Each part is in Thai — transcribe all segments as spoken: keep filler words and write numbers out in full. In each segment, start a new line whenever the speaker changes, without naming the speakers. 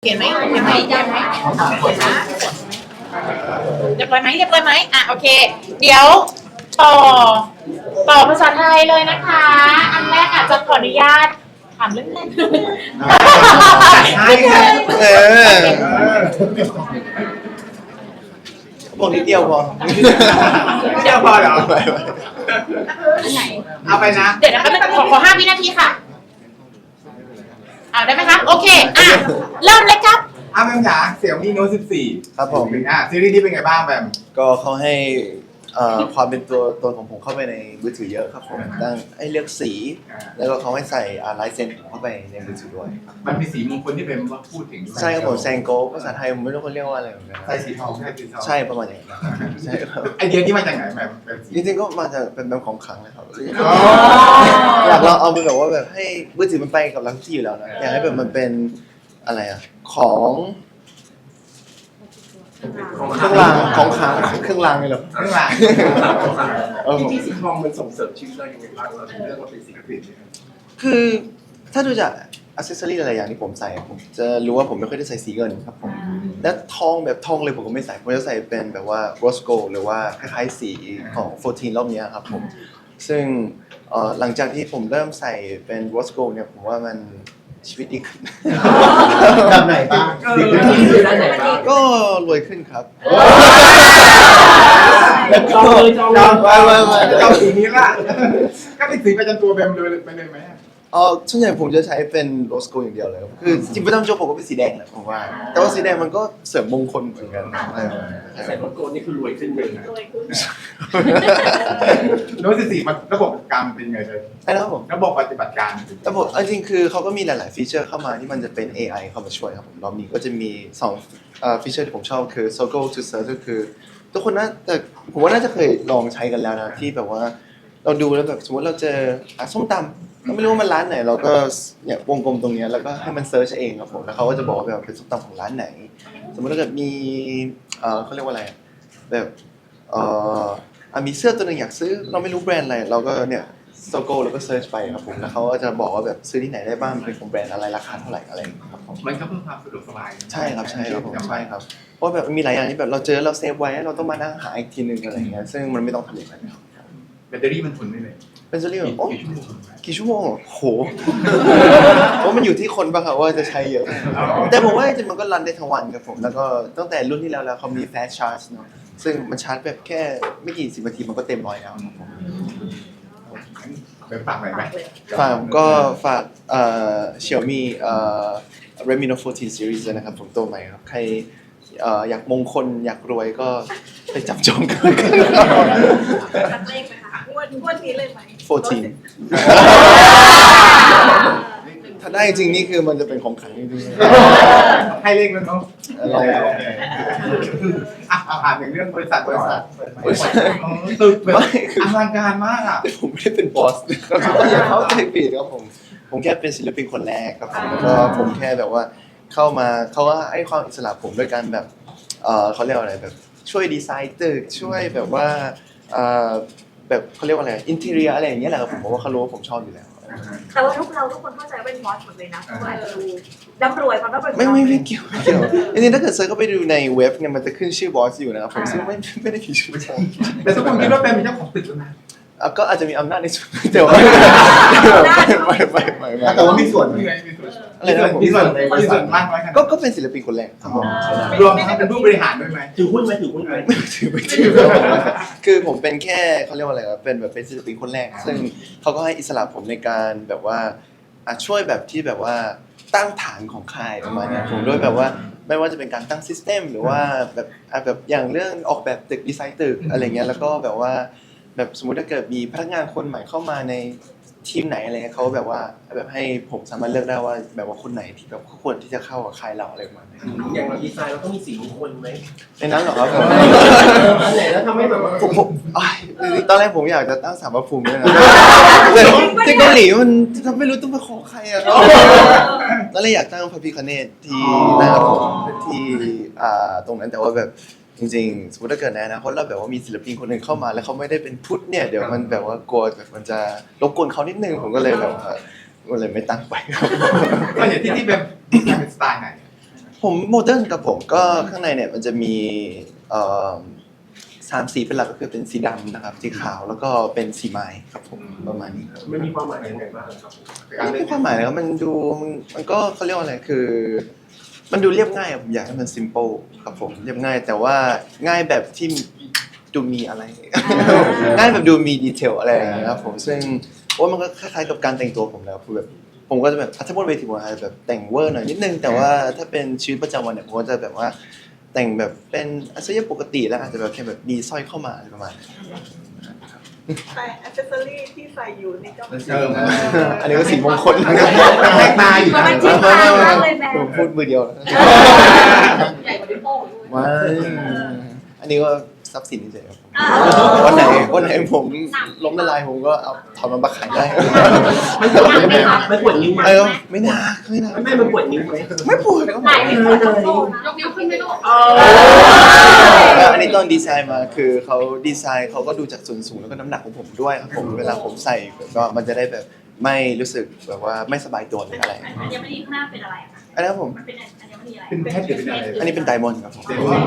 เห็นไหมเห็นไหมเห็นไหมเรียบร้อยไหมเรียบร้อยไหมอ่ะโอเค เดี๋ยวต่อต่อภาษาไทยเลยนะคะ อันแรกอาจจะขออนุญาตถามเรื่องแรก
เออบอกนิดเดียวพอ
นิดเดียวพอเหรอ
อันไหน
เอาไปนะ
เดี๋ยวนะคะขอขอห้าวินาทีค่ะอ่าได้ไหมคะโอเคอ่ะเริ่มเลยครับ
อ้าวแบมจ๋าเสี่ยวมี่โน้ตสิบสี่
ครับผม
อ่ะซีรีส์นี้เป็นไงบ้างแบม
ก็เขาให้เอ่อความเป็นตัวตนของผมเข้าไปในมือถือเยอะครับผมตั้งให้เลือกสี แล้วก็เขาให้ใส่ลายเซ็นเข้าไปในมือถือด้วย
มันมีสีมงคลที่เป็นว่าพูดถึง
ใช่ครับผมแซงโกภาษาไทยผมไม่รู้เขาเรียกว่าอะไรเหมือนกัน
ใส่สีทองใช่สีทอง
ใช่ประมาณอย่างนั้นใช่ครับ
ไอเดียนี้มาจากไหนแบมแบมสี
จริงๆก็มาจากเป็นแบบของขลังนะครับ
อ๋อ
อยากเราเอาไปแบบว่าแบบให้มือถือมันไปกับเราทุกที่อยู่แล้วนะอยากให้แบบมันเป็นอะไรอะของเครื่องรางของขลังเครื่องรางเลยเหรอ
ข้างหลัง
เออ
จริงๆสีทองมันส่งเสริมชีวิตเรายังไงบ้างเราถึงเลือกว่าเป็นสีกระปิด
คือถ้าดูจากอัซเซสซอรี่หลายๆอย่างที่ผมใส่ผมจะรู้ว่าผมไม่ค่อยได้ใส่สีเงินครับผมและทองแบบทองเลยผมก็ไม่ใส่ผมจะใส่เป็นแบบว่าโรสโกหรือว่าคล้ายๆสีของโฟร์ทีนรอบนี้ครับผมซึ่งเอ่อหลังจากที่ผมเริ่มใส่เป็นโรสโกเนี่ยผมว่ามันชีวิตดีขึ้น
แบบไหนบ้างสีกระปิดคือด้านไหนบ้าง
ก็รวยขึ้นครับ
จองเลยจองเลย
ไม่ไม่ไม่
เจ้าสีนี้ล่ะก็เป็นสีประจำตัวแบมเลยไปเลยไหม
อ๋อส่วนใหญ่ผมจะใช้เป็นโรสโกอย่างเดียวเลยครับคือจริงๆประจำตัวผมก็เป็นสีแดงแหละผมว่า แต่ว่าสีแดงมันก็เสริมมงคลเหมือนกันใช่ครับ
ใส่โลโก้นี่คือรวยขึ้นเลยนะ
โน้ตสิบสี่มันระบบการเป็นยังไงเลย
ใช่แล้วครับผม
ระบบปฏิบัติการ
แต่ผมเอาจริงๆคือเขาก็มีหลาย ๆ ฟีเจอร์เข้ามาที่มันจะเป็น เอ ไอ เข้ามาช่วยครับผมรอบนี้ก็จะมีสองเอ่อฟีเจอร์ที่ผมชอบคือ Circle to Search ก็คือทุกคนน่าแต่ผมว่าน่าจะเคยลองใช้กันแล้วนะที่แบบว่าเราดูแล้วแบบสมมติเราเจออ่ะส้มตำเราไม่รู้ว่ามันร้านไหนเราก็เนี่ยวงกลมตรงเนี้ยแล้วก็ให้มันเซิร์ชเองครับผมแล้วเขาก็จะบอกว่าแบบเป็นส้มตำของร้านไหน สมมติถ้าเกิดมีเอ่อเขาเรียกว่าอะไรแบบเอ่ออ่ะมีเสื้อตัวหนึงอยากซื้อเราไม่รู้แบรนด์อะไรเราก็เนี่ยโซโก้แล้วก็เซิร์ชไปครับผมแล้วเขาก็จะบอกว่าแบบซื้อที่ไหนได้บ้างเป็นของแบรนด์อะไรราคาเท่าไหร่อะไรอย่างเงี้ยครับผม
มันก็เพิ่มความสะดวกสบาย
ใช่ครับใช่ครับผมใช่ครับเพราะแบบมันมีหลายอย่างที่แบบเราเจอเราเซฟไว้เราต้องมานั่งหาอีกทีนึงอะไรอย่างเงี้ยซึ่งมันไม่ต้องทำอย่างนั้นครับ
แบตเตอรี่มันทนได้เลย
เป็นซีรีส์แบบโอ้
กี่ชั่วโมง
กี่ชั่วโมงเหรอโหเพราะมันอยู่ที่คนป่ะครับว่าจะใช้เยอะแต่ผมว่าจริงๆมันก็รันได้ทั้งวันครับผมแล้วก็ตั้งแต่รุ่นที่แล้วแล้วเขามี fast charge เนาะซึ่งมันชาร์จแบบแค่ไม่กี่สิบนาทีมันก็เต็มร้อยแล้วครับผม
ไปฝากหน่อยไหม
ฝากก็ฝากเอ่อ Xiaomi เอ่อ Redmi Note โฟร์ทีน Series ด้วยนะครับผมตัวใหม่ครับใครเอ่ออยากมงคลอยากรวยก็ไปจับจองกัน
ตัดเลขไหมคะงวดงวดนี้เลยไหม
โฟร์ทีน ถ้าได้จริงนี่คือมันจะเป็นของขลังจริง
ให้เลขแล้วเนาะ
ๆอะไร
โอเคอ่ะเอาผ่านถึงเรื่องบริษัทบริษัท
บริษัท
ตึกแบบอลังการมากอ่ะ
ผมไม่ได้เป็นบอสนะครับอย่าเข้าใจผิดครับผมผมแค่เป็นศิลปินคนแรกครับผมแล้วก็ผมแค่แบบว่าเข้ามาเขาว่าให้ความอิสระผมด้วยการแบบเออเขาเรียกว่าอะไรแบบช่วยดีไซน์ตึกช่วยแบบว่าเออแบบเขาเรียกว่าอะไรอินทีเรียอะไรอย่างเงี้ยแหละครับผมเพราะว่าเขารู้ว่าผมชอบอยู่แล้ว
แต่ว่าทุกเราทุกคนเข้าใจว่าเป็นบอสหมดเลยนะเพราะว่าอาจจะดูร่ำรวยความร่ำรวยของ
ไม่
เรา
ไม่ไม่เกี่ยวไม่เกี่ยวจริงๆถ้าเกิดเซิร์ชเข้าไปดูในเว็บเนี่ยมันจะขึ้นชื่อบอสอยู่นะครับผมซึ่งไม่ไม่ได้ผิดชื่อผม
แต่ทุกคนคิดว่าเป็นเจ้าของตึกแล้วนะ
อ่ะก็อาจจะมีอำนาจในส่วนแต่ว่าไม่ไม่ไม่ไม่
แต่ว่ามีส่วน
มีไงมีส่วน
อะไรนะผม
มีส่วนมีส่วนมากน้อยขนาด
ก็ก็เป็นศิลปินคนแรกครับผม
รวมทั้งเป็นผู้บริหารด้วยไหม
ถือหุ้นไหมถือหุ้นไหม
ไม่ถือไม่ถือคือผมเป็นแค่เขาเรียกว่าอะไรครับเป็นแบบเป็นศิลปินคนแรก ซึ่งเขาก็ให้อิสระผมในการแบบว่าอ่ะช่วยแบบที่แบบว่าตั้งฐานของค่ายประมาณเนี้ยผมด้วยแบบว่าไม่ว่าจะเป็นการตั้งซิสเต็มหรือว่าแบบอ่ะแบบอย่างเรื่องออกแบบตึกดีไซน์ตึกอะไรเงี้ยแล้วก็แบบว่าแบบสมมุติถ้าเกิดมีพนักงานคนใหม่เข้ามาในทีมไหนอะไรเงี้ยเขาแบบว่าแบบให้ผมสามารถเลือกได้ว่าแบบว่าคนไหนที่แบบควรที่จะเข้ากับค่ายเราอะไรประมาณนี้
อย่างเราดีไซน์เราต้องมีสีมงคลไหม
ในนั้นเหรอครับผม
อันไหนแล้วทำให้แบบว่า
ผมผมอ้ายตอนแรกผมอยากจะตั้งสารพระภูมิด้วยนะแต่ที่เกาหลีมันทำไม่รู้ต้องไปขอใครอะตอนแรกอยากตั้งพระพิฆเนศที่หน้าผมที่อ่าตรงนั้นแต่ว่าแบบจริงๆสมมติถ้าเกิดในอนาคตเราแบบว่ามีศิลปินคนหนึ่งเข้ามาแล้วเขาไม่ได้เป็นพุทธเนี่ยเดี๋ยวมันแบบว่ากลัวแบบมันจะรบกวนเขานิดนึงผมก็เลยแบบว่าก็เลยไม่ตั้งไปครับ
ก็อย่างที่ที่แบบเป็นสไตล์ไหน
ผผมโมเดิร์นกับผมก็ข้างในเนี่ยมันจะมีเอ่อสามสีเป็นหลักก็คือเป็นสีดำนะครับสีขาวแล้วก็เป็นสีไม้ครับผมประมาณนี้ครับ
มันมีความหมายยังไงบ้างครับ
ไม่มีความหมายนะครับมันดูมันมันก็เขาเรียกว่าอะไรคือ มันดูเรียบง่ายอะผมอยากให้มัน simple ครับผมเรียบง่าย แต่ว่าง่ายแบบที่ดูมีอะไร ง่ายแบบดูมีดีเทลอะไรอย่างเงี้ยครับผมซึ่งว่ามันก็คล้ายๆกับการแต่งตัวผมแล้วคือแบบผมก็จะแบบถ้าบนเวทีผมอาจจะแบบแต่งเวอร์หน่อยนิดนึงแต่ว่าถ้าเป็นชีวิตประจำวันเนี่ยผมก็จะแบบว่าแต่งแบบเป็นอาชีพปกติแล้วอาจจะแบบแค่แบบมีสร้อยเข้ามาอะไรประมาณนี้
แต่อัซเซอรี่ที่ใส่อยู่นี่ก็
เออ
อันนี้ก็สีมงคล
มันแตกตาอยู่
มัน
นะ
ชิดทางมากเลยแม่
ผมพูดมือเดียวนะ
ใหญ่กว่าดิโป้ด้วย
ไม่อันนี้ก็ทรัพย์สินเฉยๆครับผมวันไหนวันไหนผมล้มละลายผมก็เอาถอนมันมาขายได้
ไม่ปวดนิ้วไหมครับไม่ปวดนิ้วไหม
เออไม่น่าไม่น่า
ไม่มันปวดนิ้วไหม
ไม่ปวดครับผม
ไหนไม่ปวดทั้งโลกยกนิ้วขึ้นไม่ลูก
อันนี้ตอนดีไซน์มาคือเขาดีไซน์เขาก็ดูจากส่วนสูงแล้วก็น้ำหนักของผมด้วยครับผมเวลาผมใส่ก็มันจะได้แบบไม่รู้สึกแบบว่าไม่สบายตัวหรืออะไร
อัญมณีข้างหน้าเป็นอะไรอะคะ
อันนี้ครับผม
มันเป็นอัญมณีอะไร
เป็นแพทย์หรือเป็นอะไร
อันนี้เป็นไดมอนด์ครับผม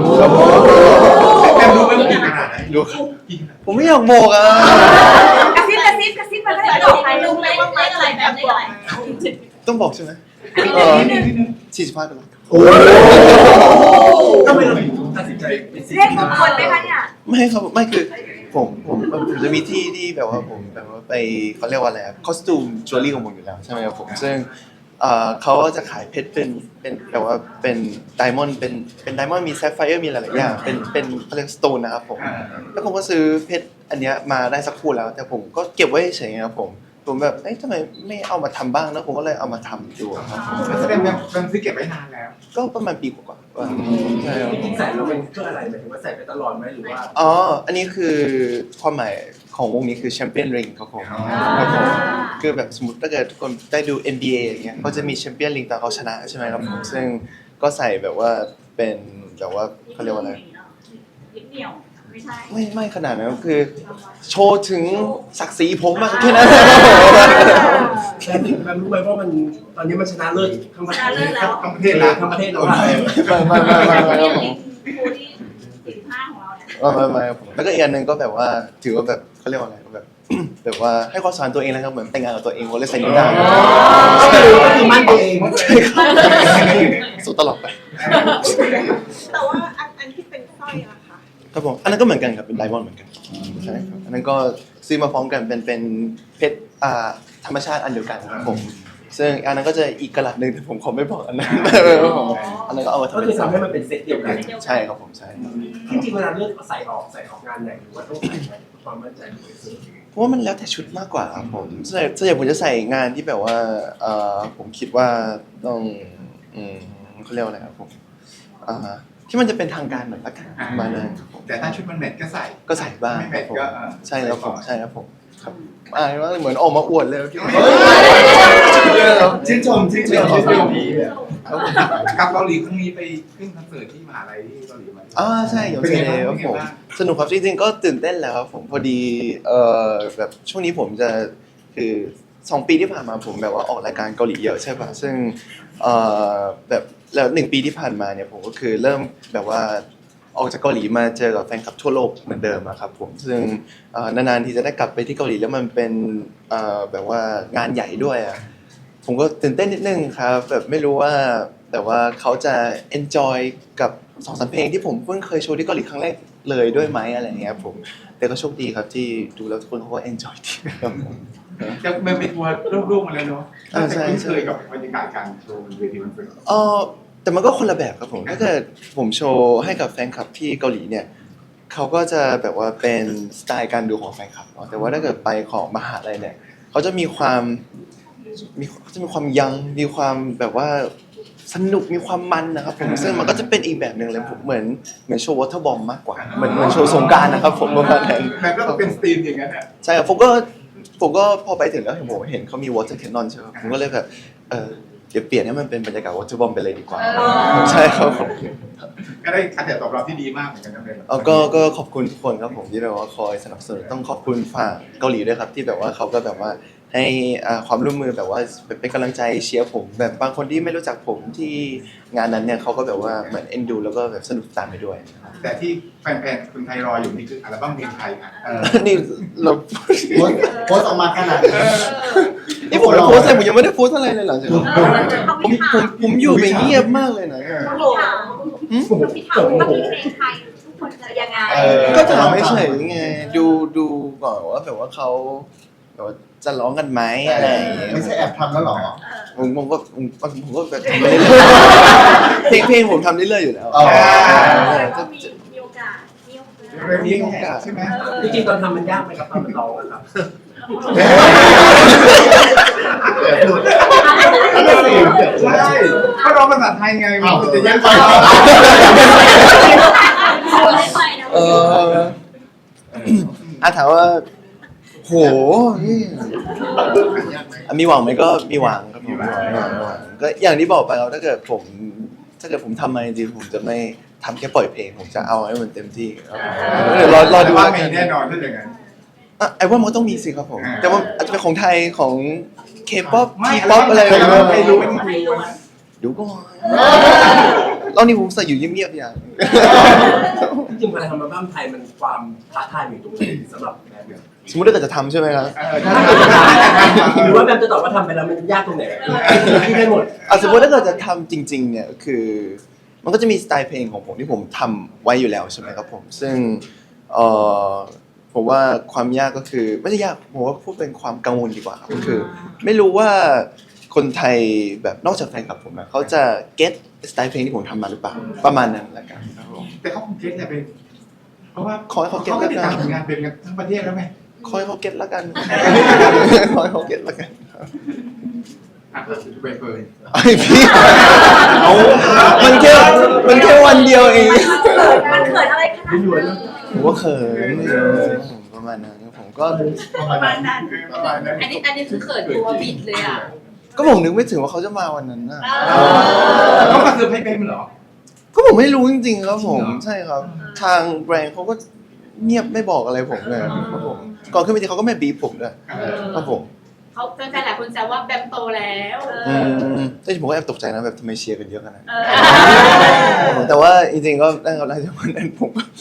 แต่รู้ไหมว่าเป็นขนาดไหน
ดูผมไม่อยากโมกอ่ะ
กระซิบกระซิบกระซิบมาได้บอกใครรู้ไหมว่าเลขอะไรแบบเลขอะไร
ต้องบอกใช่ไหมเออสี่สิบห้าดอลลาร์
โอ้ทำไมเราถึงตัดสินใจเป็นสี
เลขมงคลไหมคะเนี่ย
ไม่ครับไม่คือผมผมผมจะมีที่ที่แบบว่าผมแบบว่าไปเขาเรียกว่าอะไรครับคอสตูมจิวเวลรี่ของผมอยู่แล้วใช่ไหมครับผมซึ่งเอ่อเขาก็จะขายเพชรเป็นเป็นแบบว่าเป็นไดมอนด์เป็นเป็นไดมอนด์มีแซฟไฟร์มีหลายๆอย่างเป็นเป็นเขาเรียกสโตนนะครับผมแล้วผมก็ซื้อเพชรอันเนี้ยมาได้สักคู่แล้ว แต่ผมก็เก็บไว้เฉยๆครับผมผมแบบเอ๊ะทำไมไม่เอามาทำบ้างนะผมก็เลยเอามาทำดูครับผม
แสดงว่ามันซื้อเก็บไว้นานแล้ว
ก็ประมาณปีกว่าๆว่าใช่ครับ
จริงๆใส่แล้วมันเพื่ออะไรหมายถึงว่าใส่ไปตลอดไหมหรือว่า
อ๋อ อันนี้คือความหมายของวงนี้คือแชมเปี้ยนริงครับผม
อ๋อ
ครับผมคือแบบสมมติถ้าเกิดทุกคนได้ดู เอ็น บี เอ อย่างเงี้ยเขาจะมีแชมเปี้ยนริงตอนเขาชนะใช่ไหมครับผมซึ่งก็ใส่แบบว่าเป็นแบบว่าเขาเรียกว่าอะไร
นิดเดียวไม่ใช่
ไม่ไม่ขนาดนั้นคือ โชว์ถึงศักดิ์ศรีผมมากแค่นั้น
แต่ถึงมันรู้ไหมว่ามันตอนนี้มันชนะเลิศทั้งประเทศ
ชนะเลิศแล้ว
ทั้งประเทศแล้ว
ทั้งประเทศแล้วอะ
ไม่ไม่ไม่ไม่ไม่ไม่
ครูที่สี่สิบห้าของเราเนี่ย
ไม่ไม่ครับผมแล้วก็อีกอันหนึ่งก็แบบว่าถือว่าแบบเขาเรียกว่าอะไรแบบ แบบว่าให้ความสำคัญตัวเองนะครับเหมือนแต่งงานกับตัวเองว่าเลยใส่นิ้วได้
ก็คือก็คือมั่นตัวเอง
สู้ตลอดไป
แต่ว่าอันอันที่เป็นสร้อยอะค่ะ
ครับผมอันนั้นก็เหมือนกันครับเป็นไดมอนด์เหมือนกันใช่ครับอันนั้นก็ซื้อมาพร้อมกันเป็นเป็นเพชรอ่าธรรมชาติอันเดียวกันครับผมซึ่งอันนั้นก็จะอีกกระดัษหนึ่งแต่ผมขอไม่บอกอันนั้นครับผมอันนั้นก็เอามาทำ
ก็
เป็
คือน ทำให้มันเป็นเซตเดียวกัน
ใช่ครับผมใช่ครับ
จริงๆเวลาเลือกใส่ออกใส่ออกงานไหนหรือว่าต้องใส่ไหมความมั่นใจของตัวเอง
เพราะว่ามันแล้วแต่ชุดมากกว่าครับผมส่วนใหญ่ส่วนใหญ่ผมจะใส่งานที่แบบว่าเอ่อผมคิดว่าต้องอืมเขาเรียกว่าอะไรครับผมอ่าที่มันจะเป็นทางการหน่อยละกันประมาณนั้นครับผม
แต่ถ้าชุดมันแมทก็ใส่
ก็ใส่บ้าง
ไม่
ค
แม
รับ
ท
ผม
ก็เออ
ใช่ครับผมใช่ครับผมครับอ่าว่าเหมือนออกมาอวดเลยที่ว่า
ชื่นชมชื่นชมชื่นชม
ครับผม
กับเกาหลีครั้งนี้ไปขึ้นคอนเสิร์ตที่มหาลัยที่เกาหลีมา
อ่าใช่อย่างเช่นครับผมสนุกครับจริงๆก็ตื่นเต้นแล้วครับผมพอดีเอ่อแบบช่วงนี้ผมจะคือสองปีที่ผ่านมาผมแบบว่าออกรายการเกาหลีเยอะใช่ป่ะซึ่งเอ่อแบบแล้วหนึ่งปีที่ผ่านมาเนี่ยผมก็คือเริ่มแบบว่าออกจากเกาหลีมาเจอกับแฟนคลับทั่วโลกเหมือนเดิมอะครับผมซึ่งเอ่อนานๆที่จะได้กลับไปที่เกาหลีแล้วมันเป็นเอ่อแบบว่างานใหญ่ด้วยอะผมก็ตื่นเต้นนิดนึงครับแบบไม่รู้ว่าแต่ว่าเขาจะ enjoy กับสองสามเพลงที่ผมเพิ่งเคยโชว์ที่เกาหลีครั้งแรกเลยด้วยไหมอะไรอย่างเงี้ยผมแต่ก็โชคดีครับที่ดูแล้วทุกคนเขาก็ enjoy ดีครับผม
จะมันเป็นทัวร์รูปๆมาแล้วเนาะ
อ่าใช่
คุ้นเคยกับบรรยากาศการโชว์บนเวทีคอนเสิร์ต
เออแต่มันก็คนละแบบครับผมถ้าเกิดผมโชว์ให้กับแฟนคลับที่เกาหลีเนี่ยเขาก็จะแบบว่าเป็นสไตล์การดูของแฟนคลับเนาะแต่ว่าถ้าเกิดไปของมหาลัยเนี่ยเขาจะมีความมีเขาจะมีความยังมีความแบบว่าสนุกมีความมันนะครับผมซึ่งมันก็จะเป็นอีกแบบหนึ่งเลยผมเหมือนเหมือนโชว์วอเตอร์บอมมากกว่าเหมือนเหมือนโชว์สงกรานต์นะครับผมประมาณนั้น
แบบก็เป็นสตรีมอย่างนั้นอ่ะ
ใช่ครับผมก็ผมก็พอไปถึงแล้วเห็นผมเห็นเขามี water cannon ใช่ไหมผมก็เลยแบบเออเดี๋ยวเปลี่ยนให้มันเป็นบรรยากาศ water bomb ไปเลยดีกว่าใช่ครับผม
ก็ได้การตอบรับที่ดีมากเหมือนกันนะเป็น
เออก็ก็ขอบคุณทุกคนครับผมที่แบบว่าคอยสนับสนุนต้องขอบคุณฝั่งเกาหลีด้วยครับที่แบบว่าเขาก็แบบว่าให้อ่าความร่วมมือแบบว่าเป็นกำลังใจเชียร์ผมแบบบางคนที่ไม่รู้จักผมที่งานนั้นเนี่ยเขาก็แบบว่าเหมือนเอ็นดูแล้วก็แบบสนุกตามไปด้วย
แต่ที่แฟนๆคนไทยรออยู่นี่คืออัลบั้มเพลงไทยอ่ะเออ
นี่เรา
โพสต์โพสต์ออกมาขนาดนี้
นี่ผมโพสต์อะไรผมยังไม่ได้โพสต์อะไรเลยหลังจากนั้น
เออเขา
ผม
มี
ผ
ข่าว
มผมอยู่ไปเงียบมากเลยนะ
โอ้โหเขามีข่าวว่ามีเพลงไทยทุกคนจะยังไง
เออ
ก็ถามไม่เฉยไงดูดูก่อนว่าแบบว่าเขาแบบว่าจะร้องกันไหมอะไรอย่างเงี้ย
ไม่ใช่แอบทำแล้วหรอ
ผมผมก็ผมผมก็แบบทำไปเรื่อยๆเพลงเพลงผมทำเรื่อยๆอยู่แล้ว
อ๋อ
ก็มีมีโอกาสมีโอกาส
เรื่องนี้โอกาสใช่ไหม
จริงๆตอนทำมันยากไหมครับตอนมันร้องอะครับ
ใช่ก็ร้องภาษาไทยไงมันจะยากไป
เอออ่ะถามว่าโหนี่อ่ะมีหวังไหมก็มีหวังครับผมมีหวังมีหวังมีหวังก็อย่างที่บอกไปแล้วถ้าเกิดผมถ้าเกิดผมทำมาจริงๆผมจะไม่ทำแค่ปล่อยเพลงผมจะเอาให้มันเต็มที่ครับเดี๋ยวรอรอดู
ว่า
แล้ว
มี
กัน
แน่นอนถ้าอย่างนั้น
อ่ะไอ้ว่ามันต้องมีสิครับผม
อ่า
แต่ว่าอาจจะเป็นของไทยของเคป๊อป
ไม่
ทีป๊อปอะไร
ไม่รู้ไม่รู้
ไม่รู้
เดี๋ยวก่อนตอนนี้ผมใส่อยู่เงียบๆอย่าง
จริงๆเวลาทำอัลบั้มไทยมันความท้าทายอยู่ตรงไหนสำหรับแบมเนี่ย
สมมติถ้าเกิดจะทำใช่ไหมครับ
เออถ้าถ้า
หรือว่าแบมจะตอบว่าทำไปแล้วมันยากตรงไหนที่ได้หมด
อ่ะสมมติถ้าเกิดจะทำจริง ๆ เนี่ยคือ มันก็จะมีสไตล์เพลงของผมที่ผมทำไว้อยู่แล้วใช่ไหมครับผม ซึ่งเอ่อผมว่าความยากก็คือไม่ใช่ยากผมว่าพูดเป็นความกังวลดีกว่าครับก็คือ ไม่รู้ว่าคนไทยแบบนอกจากแฟนคลับผมอะเขาจะเก็ตสไตล์เพลงที่ผมทำมาหรือเปล่าประมาณนั้นละกันครับผม
แต่เขาคงเก็ตแหละเป็นเพราะว่า
ขอให้เขาเก็ต
เขาก็
แล้ว
ติด
กัน
ตามผลงานเป็นกันทั้งประเทศแล้วไง
ขอให้เขาเก็ตละกัน ขอให้เขาเก็ตละกันครับ
อ่ะเบเฟิร์น
ไอพี่เอามันแค่มันแค่วันเดียวเอง
มันเขินอะไรขนาดนั้น
ผมว่าเขินผมประมาณนั้นครับผมก็
ประมาณนั้น
ประมาณนั้น
อันนี้อันนี้คือเขินตัวบิดเลยอ่ะ
ก็ผมนึกไม่ถึงว่าเขาจะมาวันนั้นนะ
เขามาเซอร์ไพรส์เป็นเหรอ
ก็ผมไม่รู้จริงๆครับผม
จริงเหรอ
ใช่ครับ ทางแบรนด์เขาก็เงียบไม่บอกอะไรผมเลยครับผมก่อนขึ้นไปทีเขาก็ไม่บีบผมด้วยครับผม
เขาแฟนๆหลายคนแซวว่าแบมโตแล้ว
อืมแต่ผมก็แอบตกใจนะแบบทำไมเชียร์กันเยอะขนาดนั้น
เออ
แต่ว่าจริงๆก็ได้ครับได้จากวันนั้นผมก็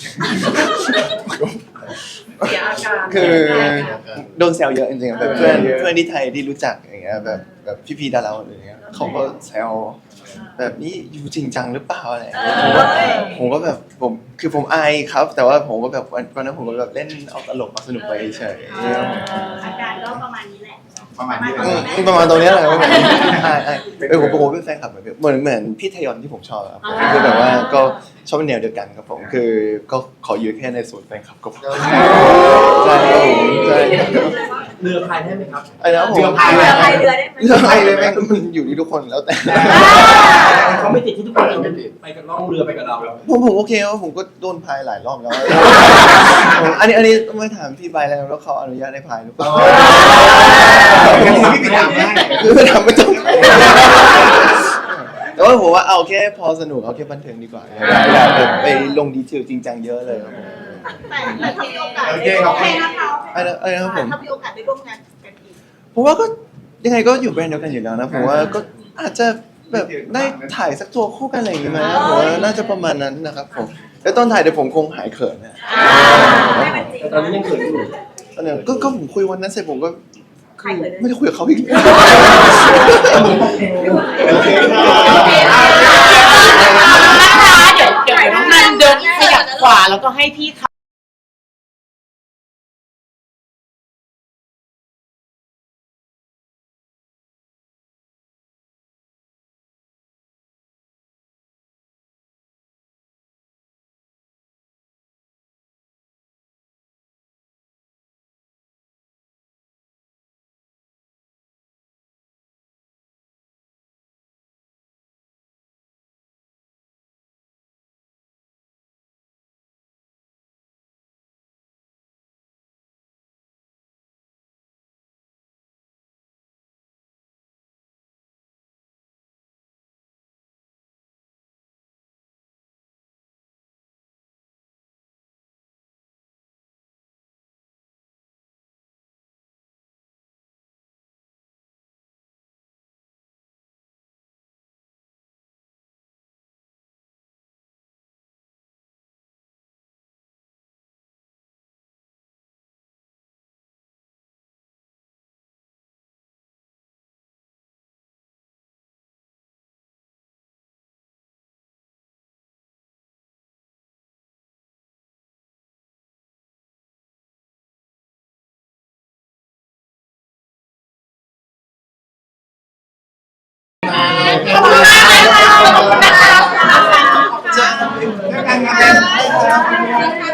เสียอาการ
คือโดนแซวเยอะจริงๆแบบเพื่อนเพื่อนที่ไทยที่รู้จักอย่างเงี้ยแบบแบบพี่ๆดาราอะไรอย่างเงี้ยเขาก็แซวแบบนี้อยู่จริงจังหรือเปล่าอะไรอย่างเงี้ยผมก็ผมก็แบบผมคือผมอายครับ แต่ว่าผมก็แบบวันวันนั้นผมก็แบบเล่นเอาตลกมาสนุกไปเฉย
อาการก็ประมาณนี้แหละ
ประมาณนี้เล
อื
ย
มประมาณตรงเนี้ยแหละครับผมอายอายเออผมผมเป็นแฟนคลับเหมือนเหมือนเหมือนพี่ทยอนที่ผมชอบครับผมคือแบบว่าก็ชอบแนวเดียวกันครับผมคือก็ขออยู่แค่ในส่วนแฟนคลับก็พอใช่ครับผมใช่
เรือพายได้ไหมครับ
ไอ้นะผม
เรือพาย
เรือพายเรือได้ไหม
เรื่องอะไรเลยแม่งมันอยู่ที่ทุกคนแล้วแต่
เขาไม่ติดที่ทุกคนจะไปกับล่องเรือไปกับเรา
ผมผมโอเคครับผมก็โดนพายหลายรอบแล้วผมอันนี้อันนี้ต้องไปถามพี่ใบแล้วว่าเขาอนุญาตให้พายหรือเปล่า
งั้นพี่ไปถามได้
คือไปถามไม่ต้องแต่ว่าผมว่าเอาแค่พอสนุกเอาแค่บันเทิงดีกว่าอย่าอย่าแบบไปลงดีเทลจริงจังเยอะเลยครับผม
แต่ถ้ามีโอกาส
โอ
ได้
เค
ร่
ข
ว
อบ
ม
คุณ
งานนะคะ
อะไรอะไรนะครับผม
ถ้ามีโอกาสได้ร่วมงานกันอีก
ผมว่าก็ยังไงก็อยู่แบรนด์เดียวกันอยู่แล้วนะผมว่าก็อาจจะแบบได้ถ่ายสักตัวคู่กันอะไรอย่างงี้ไหมนะผมว่าน่าจะประมาณนั้นนะครับผมแล้วตอนถ่ายเดี๋ยวผมคงหายเขินนะ
ให้มันจริง
แต่ตอนนี้ยังเขินอยู่
ตอนนี้ก็ก็ผมคุยวันนั้นเสร็จผมก็
ใครเขิน
ไม่ได้คุยกับเขาอีกเลย
โอเคค่ะ
เดี๋ยวเดี๋ยวน้องนันเดินขยับขวาแล้วก็ให้พี่เขา
ค่ะ